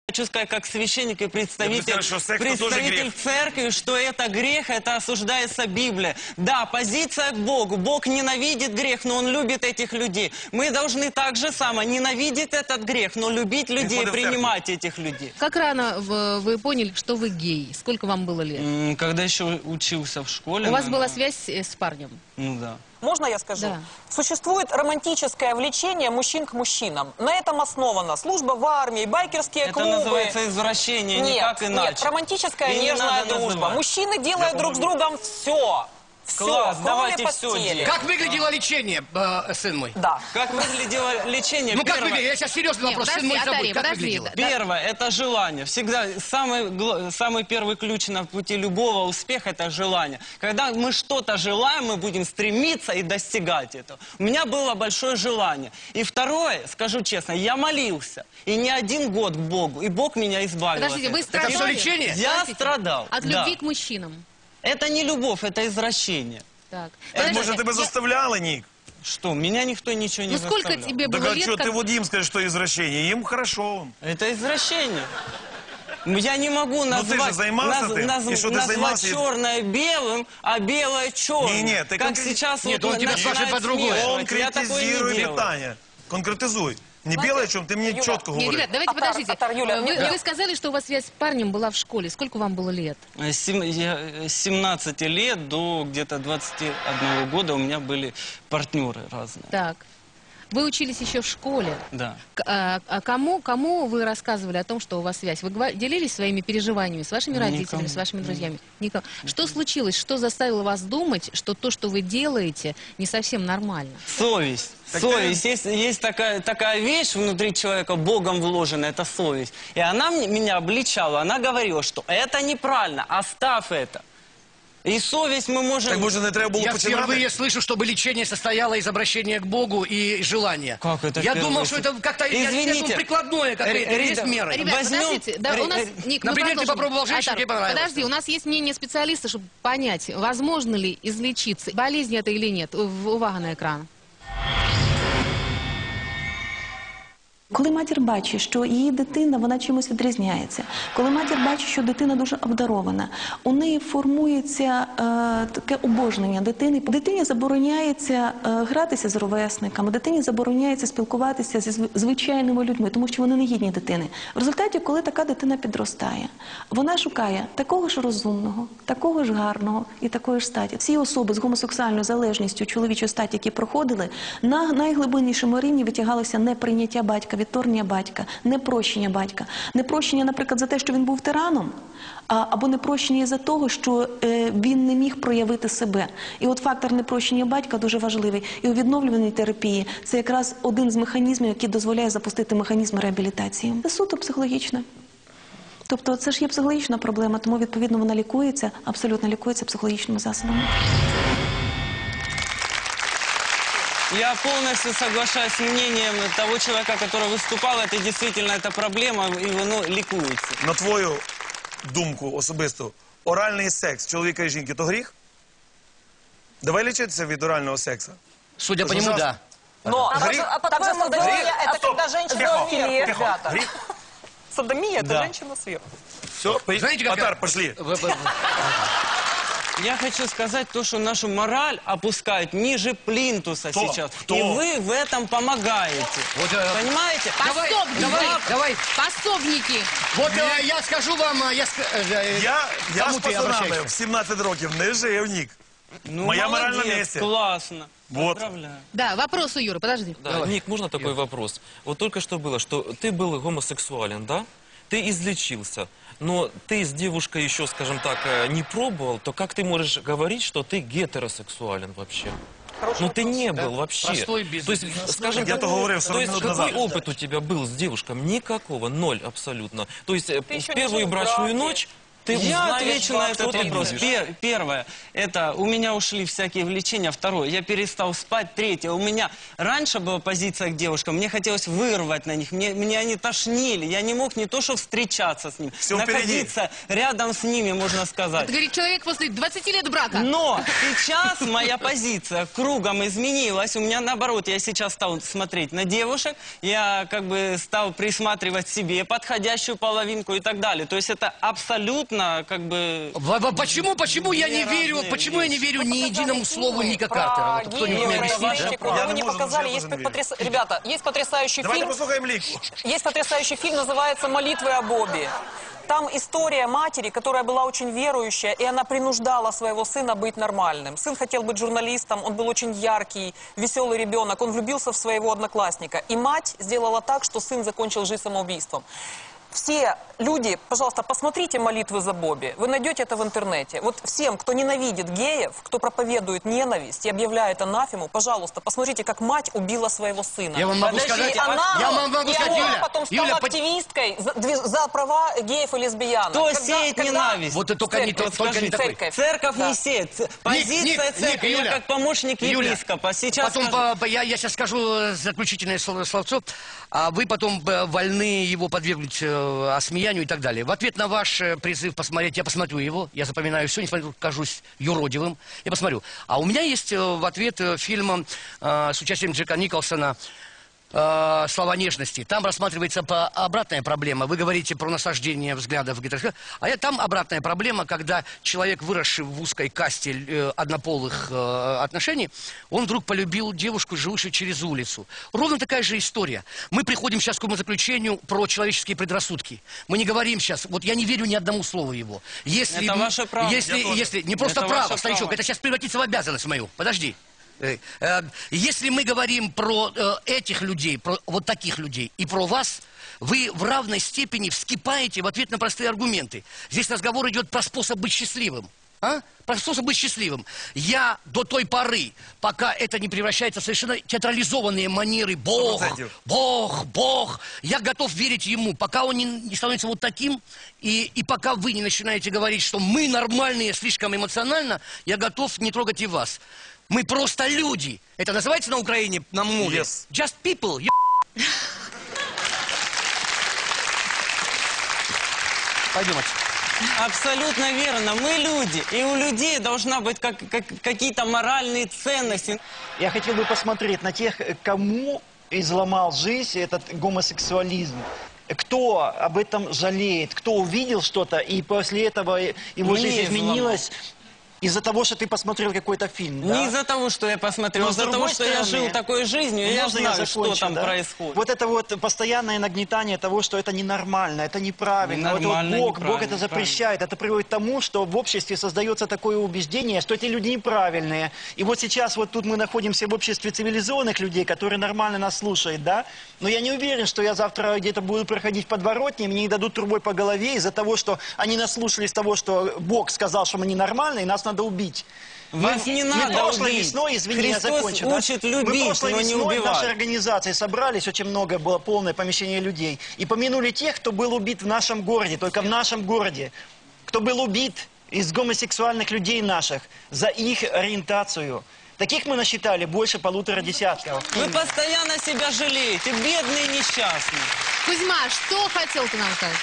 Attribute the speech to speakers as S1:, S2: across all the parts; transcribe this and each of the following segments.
S1: Хочу сказать, как священник и представитель церкви, что это грех, это осуждается Библией. Да, позиция к Богу. Бог ненавидит грех, но Он любит этих людей. Мы должны так же само ненавидеть этот грех, но любить людей, принимать этих людей.
S2: Как рано вы поняли, что вы гей? Сколько вам было лет?
S1: Когда еще учился в школе.
S2: У вас была связь с парнем?
S1: Ну да.
S3: Можно я скажу?
S2: Да.
S3: Существует романтическое влечение мужчин к мужчинам. На этом основана служба в армии, байкерские клубы.
S1: Это называется извращение, никак иначе.
S3: Нет, романтическая нежная дружба. Мужчины делают друг с другом все.
S1: Класс,
S3: Все,
S1: давайте
S3: кроме
S1: все
S3: постели.
S1: делать.
S4: Как выглядело лечение, сын мой?
S3: Да.
S1: Как выглядело лечение?
S4: Ну как
S1: Первое-
S4: выглядело? Я сейчас серьезный вопрос. Сын мой забудь. Как выглядело?
S1: Первое – это желание. Всегда самый первый ключ на пути любого успеха – это желание. Когда мы что-то желаем, мы будем стремиться и достигать этого. У меня было большое желание. И второе, скажу честно, я молился. И не один год к Богу. И Бог меня избавил.
S2: Подождите,
S1: от
S2: вы
S1: этого.
S4: Это все
S2: страдали?
S4: лечение?
S1: Я страдал.
S2: От
S1: да.
S2: любви к мужчинам?
S1: Это не любовь, это извращение.
S2: Так.
S5: Так,
S2: Подождите,
S5: может, тебе заставляли, Ник?
S1: Что, меня никто ничего не
S2: Ну сколько
S1: заставлял.
S2: тебе
S5: Так
S2: было
S5: а
S2: лет?
S5: что,
S2: как-
S5: ты вот им скажешь, что извращение? Им хорошо.
S1: Это извращение. Я не могу
S5: ты же
S1: назвать,
S5: занимался этим? И что ты
S1: назвать
S5: занимался?
S1: черное белым, а белое черным.
S5: Не-не, ты
S1: как
S5: конкрет-
S1: сейчас
S4: Нет,
S1: вот
S4: он тебя
S1: начинает
S4: спрашивает по-другому.
S1: смешивать. Я такое
S5: Конкретизируй
S1: не делаю.
S5: питание. Конкретизуй. Не белое, о чем ты мне
S3: Юля,
S5: четко
S2: Нет,
S5: говоришь.
S2: ребят, давайте
S3: Атар,
S2: подождите.
S3: Атар, Юля,
S2: Вы сказали, что у вас связь с парнем была в школе. Сколько вам было лет?
S1: С 17 лет до где-то 21 года у меня были партнеры разные.
S2: Так. Вы учились еще в школе.
S1: Да.
S2: Кому вы рассказывали о том, что у вас связь? Вы делились своими переживаниями с вашими родителями,
S1: Никому.
S2: с вашими друзьями? Никому. Что случилось? Что заставило вас думать, что то, что вы делаете, не совсем нормально?
S1: Совесть. Совесть. Есть такая вещь внутри человека, Богом вложенная, это совесть. И она меня обличала, она говорила, что это неправильно, оставь это. И совесть мы можем...
S5: Так, може, не треба було
S4: Я
S5: починати?
S4: впервые слышу, чтобы лечение состояло из обращения к Богу и желания.
S1: Как это
S4: Я
S1: впервые?
S4: думал, что это как-то
S1: Извините.
S4: прикладное какое-то, есть меры.
S2: Ребят,
S1: Возьмем-
S2: подождите, да, у нас, Ник, мы
S4: Например, ты
S2: продолжим.
S4: попробовал женщину,
S2: Атар,
S4: тебе понравилось.
S2: Подожди, у нас есть мнение специалиста, чтобы понять, возможно ли излечиться. Болезнь это или нет. Увага на экран.
S6: Коли матір бачить, що її дитина, вона чимось відрізняється, коли матір бачить, що дитина дуже обдарована, у неї формується таке обожнення дитини. Дитині забороняється гратися з ровесниками, дитині забороняється спілкуватися зі звичайними людьми, тому що вони не гідні дитини. В результаті, коли така дитина підростає, вона шукає такого ж розумного, такого ж гарного і такої ж статі. Всі особи з гомосексуальною залежністю чоловічої статі, які проходили, на найглибиннішому рівні витягалося неприйняття батька, відторгнення батька, непрощення батька. Непрощення, наприклад, за те, що він був тираном, або непрощення за того, що він не міг проявити себе. І от фактор непрощення батька дуже важливий. І у відновлювальній терапії це якраз один з механізмів, який дозволяє запустити механізм реабілітації. Це суто психологічне. Тобто це ж є психологічна проблема, тому відповідно вона лікується, абсолютно лікується психологічними засобами.
S1: Я полностью соглашаюсь с мнением того человека, который выступал. Это действительно эта проблема, и воно лікується.
S5: На твою думку особисту, оральний секс чоловіка і жінки – то гріх? Давай лічитися від орального сексу.
S4: Судя по
S5: Это
S4: нему,
S5: ужасно.
S4: да.
S3: Но
S5: Гріх?
S3: также садомия – это
S5: Стоп.
S3: когда женщина
S5: Тихо,
S3: сверху,
S5: тихо.
S3: ребята.
S5: Гріх?
S3: Садомия – это
S1: Да.
S3: женщина сверху.
S5: Все,
S4: Знаете, как
S5: Атар, пошли.
S1: Я хочу сказать то, что нашу мораль опускают ниже плинтуса
S5: Кто?
S1: сейчас.
S5: Кто?
S1: И вы в этом помогаете.
S4: Вот,
S1: Понимаете?
S4: Давай,
S2: Пособники.
S4: давай.
S2: Пособники.
S4: Вот я скажу вам,
S5: Я
S4: кому
S5: з
S4: ты
S5: пацанами
S4: обращаешься?
S5: в 17 років не жив, Нік.
S1: Ну,
S5: Моя мораль на
S1: молодец,
S5: месте.
S1: классно.
S5: Вот.
S1: Поздравляю.
S2: Да, вопрос у Юры, подожди.
S7: Да, Ник, можно такой вопрос? Вот только что было, что ты был гомосексуален, да? Ты излечился, но ты с девушкой еще, скажем так, не пробовал, то как ты можешь говорить, что ты гетеросексуален вообще? Ну ты не был вообще.
S4: Простой бизнес.
S7: То есть, скажем
S5: Я
S7: так,
S5: то говорив
S7: то
S5: 40
S7: есть
S5: минут
S7: какой
S5: назад.
S7: опыт у тебя был с девушкой? Никакого, ноль абсолютно. То есть в
S3: еще не
S7: первую
S3: жил в
S7: брачную
S3: браке.
S7: ночь ты
S1: Я
S7: узнаешь,
S1: отвечу на
S7: кто
S1: этот
S7: ты
S1: вопрос.
S7: будешь.
S1: Первое, это у меня ушли всякие влечения. Второе, я перестал спать. Третье, у меня раньше была позиция к девушкам, мне хотелось вырвать на них, меня они тошнили. Я не мог не то что встречаться с ними,
S5: Всё впереди.
S1: находиться рядом с ними, можно сказать.
S2: Это говорит человек после 20 лет брака.
S1: Но сейчас моя позиция кругом изменилась. У меня наоборот, я сейчас стал смотреть на девушек, я как бы стал присматривать себе подходящую половинку и так далее. То есть это абсолютно как бы...
S4: Почему я не
S1: Две
S4: верю,
S1: разные
S4: почему я не верю ни единому слову Ника Картера? Вот кто-нибудь мне объяснит, да?
S5: Я
S3: Вы
S5: не
S3: не
S5: можу
S3: показали,
S5: вже
S3: есть
S5: кожен вірити.
S3: Ребята, есть потрясающий
S5: Давайте
S3: фильм.
S5: послухаємо Ліку.
S3: Есть потрясающий фильм, называется «Молитвы о Бобби». Там история матери, которая была очень верующая, и она принуждала своего сына быть нормальным. Сын хотел быть журналистом, он был очень яркий, веселый ребенок, он влюбился в своего одноклассника. И мать сделала так, что сын закончил жизнь самоубийством. Все люди, пожалуйста, посмотрите «Молитвы за Бобби». Вы найдете это в интернете. Вот всем, кто ненавидит геев, кто проповедует ненависть и объявляет анафему, пожалуйста, посмотрите, как мать убила своего сына.
S4: Я вам могу сказать,
S3: И она
S4: Юля,
S3: потом стала
S4: Юля,
S3: активисткой за права геев и лесбиянок.
S1: Кто сеет ненависть?
S4: Вот это только не такой.
S3: Церковь.
S1: Не сеет. Позиция церкви, я
S4: Юля,
S1: как помощник
S4: Юля,
S1: епископа. Сейчас
S4: потом
S1: скажу.
S4: я сейчас скажу заключительное словцо, а вы потом вольны его подвергнуть осмеянию и так далее. В ответ на ваш призыв посмотреть, я посмотрю его, я запоминаю все, несмотря на то, что кажусь юродивым, я посмотрю. А у меня есть в ответ фильм с участием Джека Николсона «Слова нежности». Там рассматривается обратная проблема. Вы говорите про насаждение взглядов, а там обратная проблема, когда человек, выросший в узкой касте однополых отношений, он вдруг полюбил девушку, живущую через улицу. Ровно такая же история. Мы приходим сейчас к умозаключению про человеческие предрассудки. Мы не говорим сейчас, вот я не верю ни одному слову его. Если,
S1: Это ваше право.
S4: Если не просто
S1: Это
S4: право,
S1: ваше
S4: старичок,
S1: право.
S4: это сейчас превратится в обязанность мою. Подожди. Если мы говорим про этих людей, про вот таких людей и про вас, вы в равной степени вскипаете в ответ на простые аргументы. Здесь разговор идет про способ быть счастливым. Про способ быть счастливым. Я до той поры, пока это не превращается в совершенно театрализованные манеры Бог,
S5: 100%.
S4: Бог, я готов верить ему, пока он не становится вот таким, и пока вы не начинаете говорить, что мы нормальные слишком эмоционально, я готов не трогать и вас. Мы просто люди. Это называется на Украине, на мове?
S5: Yes.
S4: Just people. Пойдемте.
S1: Абсолютно верно. Мы люди. И у людей должна быть какие-то моральные ценности.
S8: Я хотел бы посмотреть на тех, кому изломал жизнь этот гомосексуализм. Кто об этом жалеет, кто увидел что-то, и после этого его
S1: Мне
S8: жизнь
S1: изломал.
S8: изменилась из-за того, что ты посмотрел какой-то фильм.
S1: Не
S8: да?
S1: из-за того, что я посмотрел,
S8: Но
S1: а
S8: с
S1: из-за того,
S8: другой
S1: что я
S8: стороны,
S1: жил такой жизнью, и я
S8: можно
S1: знаю,
S8: закончу,
S1: что там
S8: да?
S1: происходит.
S8: Вот это вот постоянное нагнетание того, что это ненормально, это неправильно.
S1: Ненормально,
S8: Вот Бог это
S1: неправильно,
S8: запрещает. Это приводит к тому, что в обществе создается такое убеждение, что эти люди неправильные. И вот сейчас вот тут мы находимся в обществе цивилизованных людей, которые нормально нас слушают, да? Но я не уверен, что я завтра где-то буду проходить в подворотне, мне не дадут трубой по голове из-за того, что они наслушались того, что Бог сказал, что мы ненормальные, и нас надо убить.
S1: Вас не надо
S8: прошлой
S1: убить.
S8: весной, извини, я
S1: Христос
S8: закончу. да?
S1: учит
S8: Мы
S1: любить,
S8: прошлой
S1: но не
S8: весной в нашей
S1: убивать.
S8: организации собрались, очень много было, полное помещение людей, и помянули тех, кто был убит в нашем городе, только в нашем городе, кто был убит из гомосексуальных людей наших за их ориентацию. Таких мы насчитали больше 1,5 десятка.
S1: Вы постоянно себя жалеете, бедные и несчастные.
S2: Кузьма, что хотел ты нам сказать?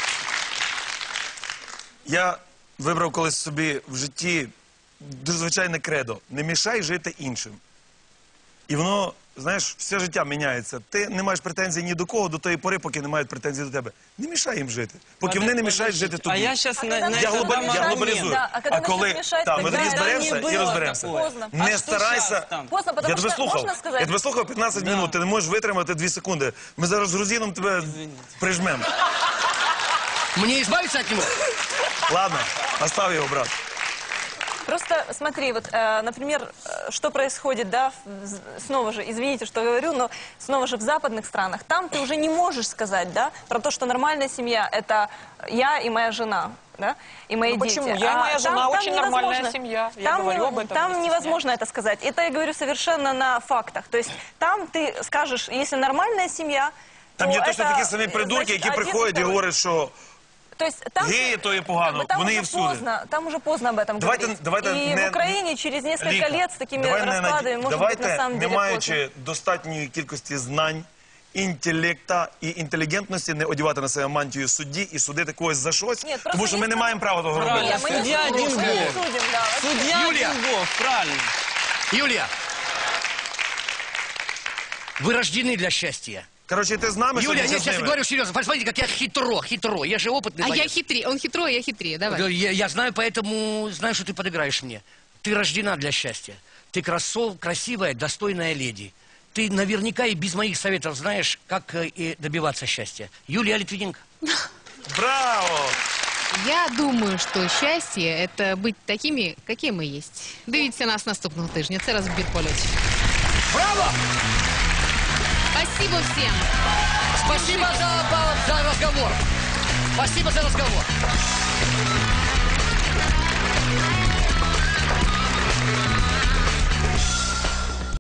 S5: Я вибрав колись собі в житті дуже звичайне кредо. Не мішай жити іншим. І воно, знаєш, все життя міняється. Ти не маєш претензій ні до кого до тої пори, поки не мають претензій до тебе. Не мішай їм жити. Поки вони не мішають жити тобі.
S1: А я сейчас на
S5: Я
S1: это дам
S5: я
S1: аргумент.
S5: глобалізую.
S9: Да, а коли
S5: коли
S9: начнуть мішати,
S5: так, ми
S9: тогда
S5: тоді зберемося
S1: не
S5: і
S1: було
S5: розберемося.
S1: такого.
S9: Поздно.
S1: А
S5: Не
S1: що
S5: старайся.
S1: щас там?
S9: Поздно, потому
S5: Я тебе
S9: что,
S5: слухав.
S9: можно сказать?
S5: Я тебе слухав 15 минут. Ти не можеш витримати 2 секунди. Ми зараз з грузином тебе прижмемо.
S4: Мне избавиться от него?
S5: Ладно, остав його, брат.
S9: Просто смотри, вот, например, что происходит, да, снова же, извините, что говорю, но снова же в западных странах, там ты уже не можешь сказать, да, про то, что нормальная семья – это я и моя жена, да, и мои
S3: Ну,
S9: дети.
S3: почему? Я и моя жена очень нормальная
S9: невозможно.
S3: семья. Я
S9: Там
S3: говорю об этом,
S9: Там
S3: не
S9: невозможно это сказать. Это я говорю совершенно на фактах. То есть там ты скажешь, если нормальная семья,
S5: Там
S9: то
S5: є точно
S9: это,
S5: такі самі придурки,
S9: значит,
S5: які
S9: один,
S5: приходять і
S9: второй.
S5: говорять, що
S9: То есть там,
S5: Геї то є погано,
S9: там
S5: вони
S9: уже
S5: є всюди.
S9: поздно, там уже поздно об этом говорить.
S5: Давайте
S9: И
S5: не-
S9: в Украине через несколько
S5: Віка,
S9: лет с такими
S5: давай не
S9: раскладами, может быть,
S5: давайте,
S9: на самом
S5: не
S9: деле
S5: маючи достатньої кількості знань, інтелекта і інтелігентності, не одягати на себе мантію судді і судити когось за щось,
S9: Ні, просто
S5: тому що ми не маємо права того робити.
S1: Правильно,
S9: Мы не
S1: судья один
S9: судим, мы не
S1: Бог.
S9: судим, да.
S1: Судья
S4: Юлия.
S1: один Бог, правильно.
S4: Юлия, вы рождены для счастья.
S5: Коротше, ти з нами
S4: Юлия,
S5: сьогодні
S4: я
S5: чи з
S4: сейчас
S5: ними?
S4: говорю серьезно. Посмотрите, как я хитро. Я же опытный
S2: А я
S4: боец.
S2: хитрее, он хитрее, я хитрее, давай.
S4: Я знаю, поэтому знаю, что ты подыграешь мне. Ты рождена для счастья. Ты красивая, достойная леди. Ты наверняка и без моих советов знаешь, как и добиваться счастья. Юлия Литвиненко.
S5: Браво!
S2: Я думаю, що щастя – це бути такими, які ми є. Дивіться нас наступного тижня. Це «Розбір польотів».
S4: Браво!
S2: Спасибо всім.
S4: Спасибо за разговор. Спасибо за разговор.